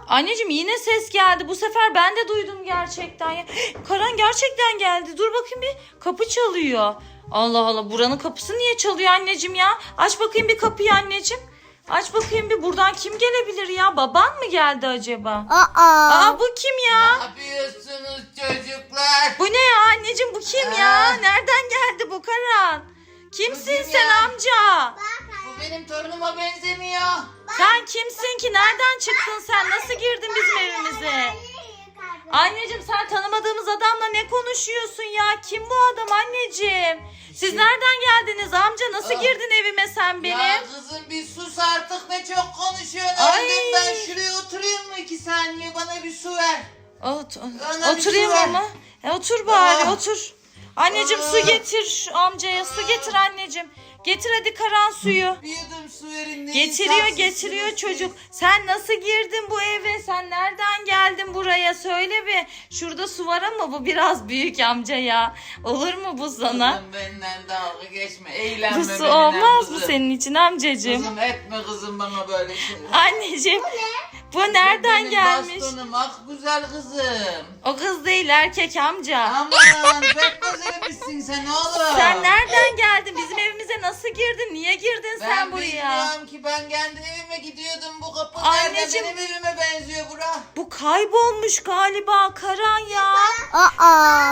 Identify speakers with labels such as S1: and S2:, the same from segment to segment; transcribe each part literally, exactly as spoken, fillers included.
S1: Anneciğim yine ses geldi. Bu sefer ben de duydum gerçekten ya. Karan gerçekten geldi. Dur bakayım bir. Kapı çalıyor. Allah Allah, buranın kapısı niye çalıyor anneciğim ya? Aç bakayım bir kapıyı anneciğim. Aç bakayım bir, buradan kim gelebilir ya? Baban mı geldi acaba?
S2: Aa.
S1: Aa, bu kim ya?
S3: Ne yapıyorsunuz çocuklar?
S1: Bu ne ya anneciğim, bu kim ya?
S3: Aa.
S1: Nereden geldi bu Karan? Kimsin
S3: kim
S1: sen
S3: ya?
S1: amca?
S3: Bu benim torunuma benzemiyor.
S1: Sen kimsin ki? Nereden çıktın sen? Nasıl girdin bizim evimize? Anneciğim sen tanımadığımız adamla ne konuşuyorsun ya? Kim bu adam anneciğim? Siz nereden geldiniz amca? Nasıl
S3: Ah.
S1: girdin evime sen benim?
S3: Ya kızım bir sus artık, ne çok konuşuyorsun.
S1: Ay.
S3: Öldüm ben, şuraya oturayım mı iki saniye, bana bir su ver.
S1: Ot,
S3: Bana bir
S1: oturayım
S3: su ver.
S1: ama. E, otur bari
S3: Ah.
S1: otur. Anneciğim
S3: Ah.
S1: su getir şu amcaya, su getir anneciğim. Getir hadi Karan suyu.
S3: Bir yudum su verin. ne
S1: Getiriyor
S3: insafsızsınız
S1: getiriyor
S3: siz.
S1: çocuk. Sen nasıl girdin bu eve? Sen nereden geldin buraya? Söyle bir. Şurada su var ama bu biraz büyük amca ya. Olur mu bu sana?
S3: Kızım benden dalga geçme. Eğlenme
S1: Bu su
S3: benimle
S1: olmaz mı
S3: kızım.
S1: senin için amcacığım?
S3: Kızım etme kızım bana böyle şey.
S1: Anneciğim bu nereden
S3: Benim
S1: gelmiş?
S3: bastonum, ah güzel kızım.
S1: O kız değil, erkek amca.
S3: Aman pek güzelmişsin sen oğlum.
S1: Sen nereden geldin? Bizim evimize nasıl girdin? Niye girdin
S3: Ben
S1: sen buraya?
S3: bilmiyorum ki, ben kendi evime gidiyordum. Bu kapı
S1: Anneciğim.
S3: nerede? Benim evime benziyor bura.
S1: Bu kaybolmuş galiba Karan ya.
S2: Aa.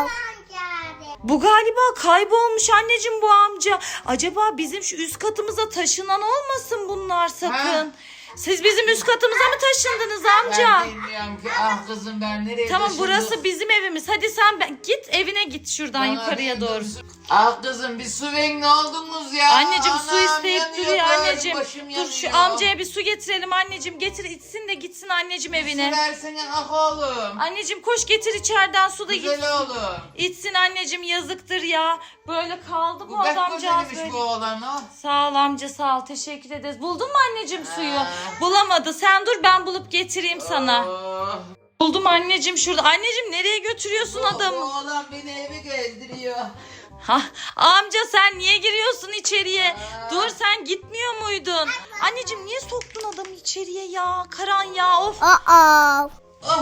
S1: Bu galiba kaybolmuş anneciğim bu amca. Acaba bizim şu üst katımıza taşınan olmasın bunlar sakın. Siz bizim üst katımıza mı taşındınız amca?
S3: Ben bilmiyorum ki, ah kızım ben nereye
S1: Tamam,
S3: taşındım?
S1: burası bizim evimiz. Hadi sen ben, git evine git şuradan
S3: Bana
S1: yukarıya
S3: bir
S1: doğru.
S3: su- Ah kızım bir su verin, ne oldunuz ya?
S1: Anneciğim su
S3: Anam
S1: isteyip
S3: yanıyor,
S1: duruyor
S3: böyle
S1: anneciğim.
S3: başım
S1: Dur şu
S3: yanıyor.
S1: amcaya bir su getirelim anneciğim. Getir içsin de gitsin anneciğim evine.
S3: Su versene ah oğlum.
S1: Anneciğim koş getir içeriden su da gitsin.
S3: Güzel oğlum.
S1: İçsin anneciğim, yazıktır ya. Böyle kaldı bu,
S3: Bu pek
S1: adamcağız
S3: güzelmiş
S1: böyle.
S3: bu oğlan o.
S1: Sağ ol amca, sağ ol, teşekkür ederiz. Buldun mu anneciğim suyu?
S3: Ha.
S1: Bulamadı, sen dur ben bulup getireyim sana.
S3: Oh.
S1: Buldum anneciğim şurada. Anneciğim nereye götürüyorsun
S3: Bu
S1: adamı?
S3: oğlan beni evi gezdiriyor.
S1: Ha, amca sen niye giriyorsun içeriye?
S3: Aa.
S1: Dur, sen gitmiyor muydun? Anneciğim niye soktun adamı içeriye ya? Karan ya, of.
S2: Aa.
S3: Oh.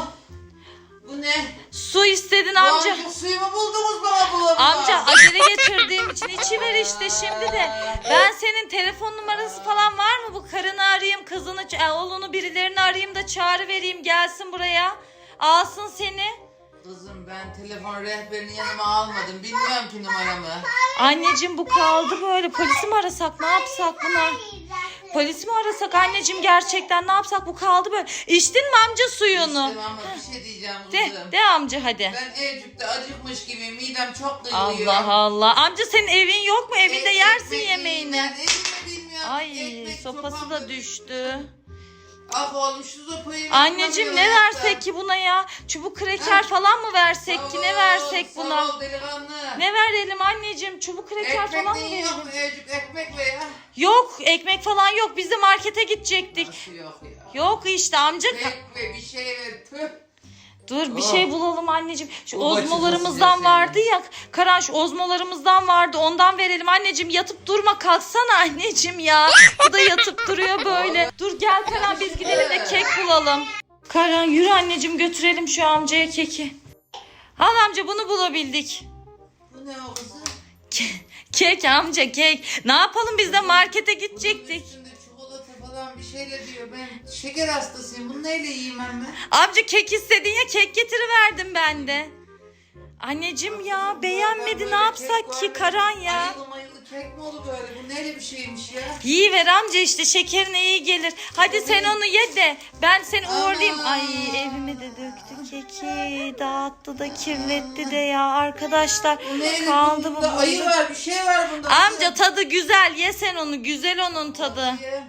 S3: Bu ne?
S1: Su istedin
S3: Bu
S1: amca.
S3: amcık suyumu buldunuz bana bulamadım.
S1: Amca acele getirdiğim için içiver işte şimdi de. Ben senin telefon numarası falan var mı? Bu karını arayayım, kızını, ç- e, oğlunu, birilerini arayayım da çağrı vereyim, gelsin buraya. Alsın seni.
S3: Kızım ben telefon rehberini yanıma almadım. Bilmiyorum ki numaramı.
S1: Anneciğim bu kaldı böyle. Polisi mi arasak, ne yapsak buna? Polisi mi arasak anneciğim, gerçekten ne yapsak, bu kaldı böyle. İçtin mi amca suyunu?
S3: İşte ama bir şey diyeceğim
S1: De,
S3: kızım.
S1: de amca hadi.
S3: Ben evcikte acıkmış gibi, midem çok duyuluyor.
S1: Allah Allah. Amca senin evin yok mu? Evinde
S3: E-
S1: yersin
S3: ekmek
S1: yemeğini.
S3: yiyeyim ben, evimi bilmiyorum.
S1: Ay
S3: Ekmek
S1: sopası
S3: sopam
S1: da düştü.
S3: Ah oğlum şu sopayı.
S1: Anneciğim ne
S3: kullanıyor
S1: versek ki buna ya? Çubuk kreker falan mı versek ki? Ne versek buna?
S3: Sağ ol delikanlı.
S1: Ne verelim anneciğim? Çubuk kreker
S3: Ekmek
S1: falan mı
S3: neyin yok
S1: verelim?
S3: mu? Evcik ekmek ve ya.
S1: Yok, ekmek falan yok. Biz de markete gidecektik.
S3: Nasıl yok ya?
S1: Yok işte amca.
S3: Ekmek ve bir şey ver. Tüh.
S1: Dur bir
S3: Oh.
S1: şey bulalım anneciğim. Şu
S3: Bu başımı
S1: ozmolarımızdan
S3: sıcak
S1: vardı ya. Karan şu ozmolarımızdan vardı. Ondan verelim anneciğim. Yatıp durma, kalksana anneciğim ya. Bu da yatıp duruyor böyle. Dur gel Karan, biz gidelim de kek bulalım. Karan yürü anneciğim, götürelim şu amcaya keki. Al amca, bunu bulabildik.
S3: Bu ne o kızım?
S1: Kek amca, kek. Ne yapalım, biz de markete gidecektik.
S3: Bunun üstünde çikolata falan bir şeyle diyor. Ben şeker hastasıyım. Bunu neyle yiyeyim ben?
S1: Amca kek istedin ya, kek getiriverdim ben de. Anneciğim ya beğenmedi, ne yapsak ki Karan ya.
S3: Ayılı mayılı kek mi olur böyle? Bu neyle bir şeymiş ya?
S1: İyi ver amca, işte şekerine iyi gelir. Hadi sen onu ye de ben seni uğurlayayım.
S3: Aman.
S1: Ay evime de döktü keki, dağıttı da kirletti de ya arkadaşlar.
S3: Bu neyle?
S1: Kaldı bu
S3: Bunda ayı
S1: burada.
S3: var, bir şey var bunda.
S1: Amca tadı güzel, ye sen onu, güzel onun tadı.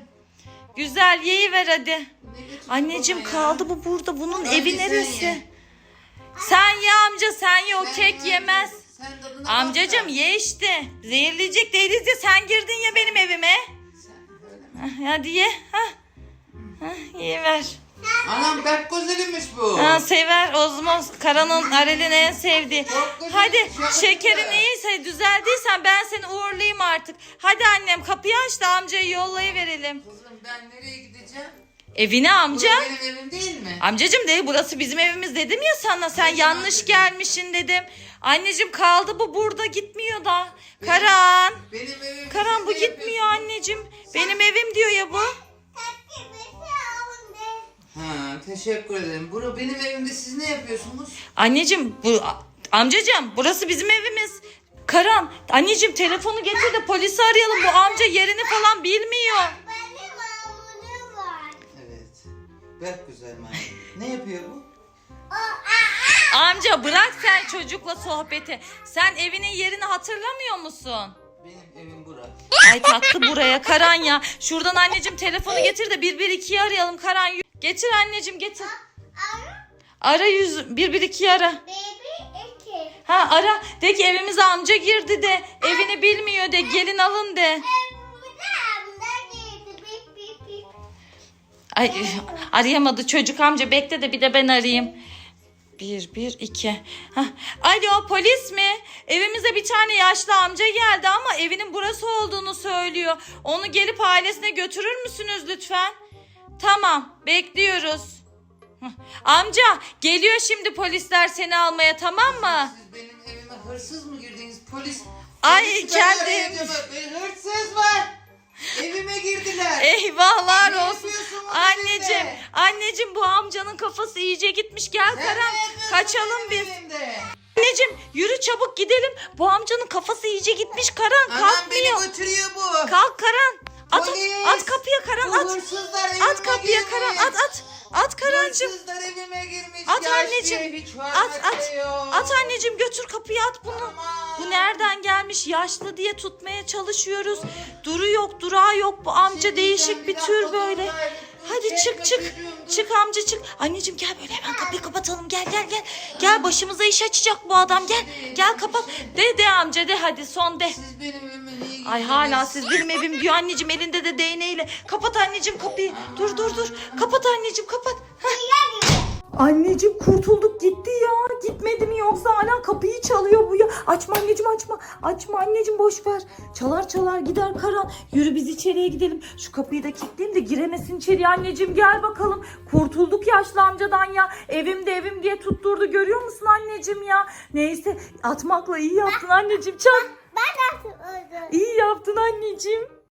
S1: Güzel, yeyiver hadi. Anneciğim kaldı bu burada, bunun
S3: Hadi
S1: evi
S3: sen
S1: neresi?
S3: ye.
S1: Sen ye amca, sen ye, o
S3: Sen
S1: kek
S3: ye.
S1: yemez.
S3: Sen tadına
S1: Amcacığım
S3: bakma.
S1: ye işte. Zehirleyecek değiliz ya, sen girdin ya benim evime.
S3: Sen böyle mi?
S1: Hah, hadi ye. Hah. Hah, yiyiver.
S3: Anam pek güzelmiş bu.
S1: Ha, sever Ozmoz. Karan'ın, Arel'in en sevdiği.
S3: Çok güzel,
S1: Hadi
S3: çok
S1: şekerin
S3: güzel.
S1: iyiyse, düzeldiysen ben seni uğurlayayım artık. Hadi annem kapıyı aç da amcayı yollayıverelim.
S3: Kızım ben nereye gideceğim?
S1: Evine amca.
S3: Burası benim evim değil mi?
S1: Amcacım değil, burası bizim evimiz dedim ya sana. Sen
S3: Benim
S1: yanlış
S3: amcacığım.
S1: gelmişsin dedim. Anneciğim kaldı bu burada, gitmiyor da. Karan.
S3: Benim evim.
S1: Karan
S3: siz
S1: bu
S3: ne
S1: gitmiyor
S3: yapıyorsunuz?
S1: anneciğim. Benim evim diyor ya bu.
S3: Ha, teşekkür ederim. Bura benim evimde, siz ne yapıyorsunuz?
S1: Anneciğim bu amcacığım burası bizim evimiz. Karan anneciğim telefonu getir de polisi arayalım. Bu amca yerini falan bilmiyor.
S3: Evet. Bak güzel maymun. Ne yapıyor bu?
S1: Amca bırak sen çocukla sohbeti. Sen evinin yerini hatırlamıyor musun?
S3: Benim evim bura.
S1: Ay taktı buraya Karan ya. Şuradan anneciğim telefonu getir de bir bir ikiyi arayalım Karan. Getir anneciğim getir. Ara yüz bir bir ikiyi ara. Ha ara de ki evimize amca girdi de evini bilmiyor de gelin alın de. Ay arayamadı çocuk amca, bekle de bir de ben arayayım. Bir, bir, iki. Hah. Alo polis mi? Evimize bir tane yaşlı amca geldi ama evinin burası olduğunu söylüyor. Onu gelip ailesine götürür müsünüz lütfen? Tamam bekliyoruz. Hah. Amca geliyor şimdi polisler seni almaya, tamam mı?
S3: Siz benim evime hırsız mı girdiniz? Polis.
S1: Ay,
S3: Polisi
S1: kendi
S3: ben
S1: evimiz.
S3: arayacağım. Bir hırsız var. Evime girdiler.
S1: Eyvahlar
S3: Ne
S1: olsun.
S3: yapıyorsun bu
S1: Anneciğim,
S3: evde?
S1: anneciğim bu amcanın kafası iyice gitmiş. Gel
S3: Sen
S1: Karan
S3: ne yapıyorsun
S1: kaçalım
S3: benim
S1: biz.
S3: evimde?
S1: Anneciğim yürü çabuk gidelim. Bu amcanın kafası iyice gitmiş Karan,
S3: Anam
S1: kalkmıyor.
S3: beni götürüyor bu.
S1: Kalk Karan. At,
S3: Polis.
S1: at kapıya Karan,
S3: Bu
S1: at.
S3: hırsızlar evime
S1: At kapıya
S3: girmiş.
S1: Karan, at at. At Karancığım.
S3: Hırsızlar evime girmiş.
S1: At
S3: Yaşlıya
S1: anneciğim.
S3: hiç
S1: At
S3: hürmet
S1: at.
S3: de yok.
S1: At anneciğim, götür kapıya at bunu.
S3: Aman.
S1: Bu nereden gelmiş? Yaşlı diye tutmaya çalışıyoruz. Duru yok, durağı yok. Bu amca
S3: Şimdi
S1: değişik
S3: sen
S1: bir
S3: dakika
S1: tür
S3: dur,
S1: böyle.
S3: dur,
S1: Hadi
S3: dur,
S1: çık
S3: çekme
S1: çık.
S3: çocuğum, dur.
S1: Çık amca çık. Anneciğim gel böyle hemen kapıyı kapatalım. Gel gel gel. Gel başımıza iş açacak bu adam. Gel. Gel kapat. De de amca de hadi son de.
S3: Siz benim evime niye girdiniz?
S1: Ay hala siz benim evim diyor anneciğim, elinde de değneğiyle. Kapat anneciğim kapıyı. Dur dur dur. Kapat anneciğim kapat. Anneciğim kurtulduk gitti ya. Gitmedi mi yoksa hala kapıyı çalıyor bu ya. Açma anneciğim açma. Açma anneciğim, boş ver. Çalar çalar gider Karan. Yürü biz içeriye gidelim. Şu kapıyı da kilitleyeyim de giremesin içeriye anneciğim. Gel bakalım. Kurtulduk yaşlı amcadan ya. Evimde evim diye tutturdu, görüyor musun anneciğim ya. Neyse atmakla iyi yaptın anneciğim. Çak. İyi yaptın anneciğim.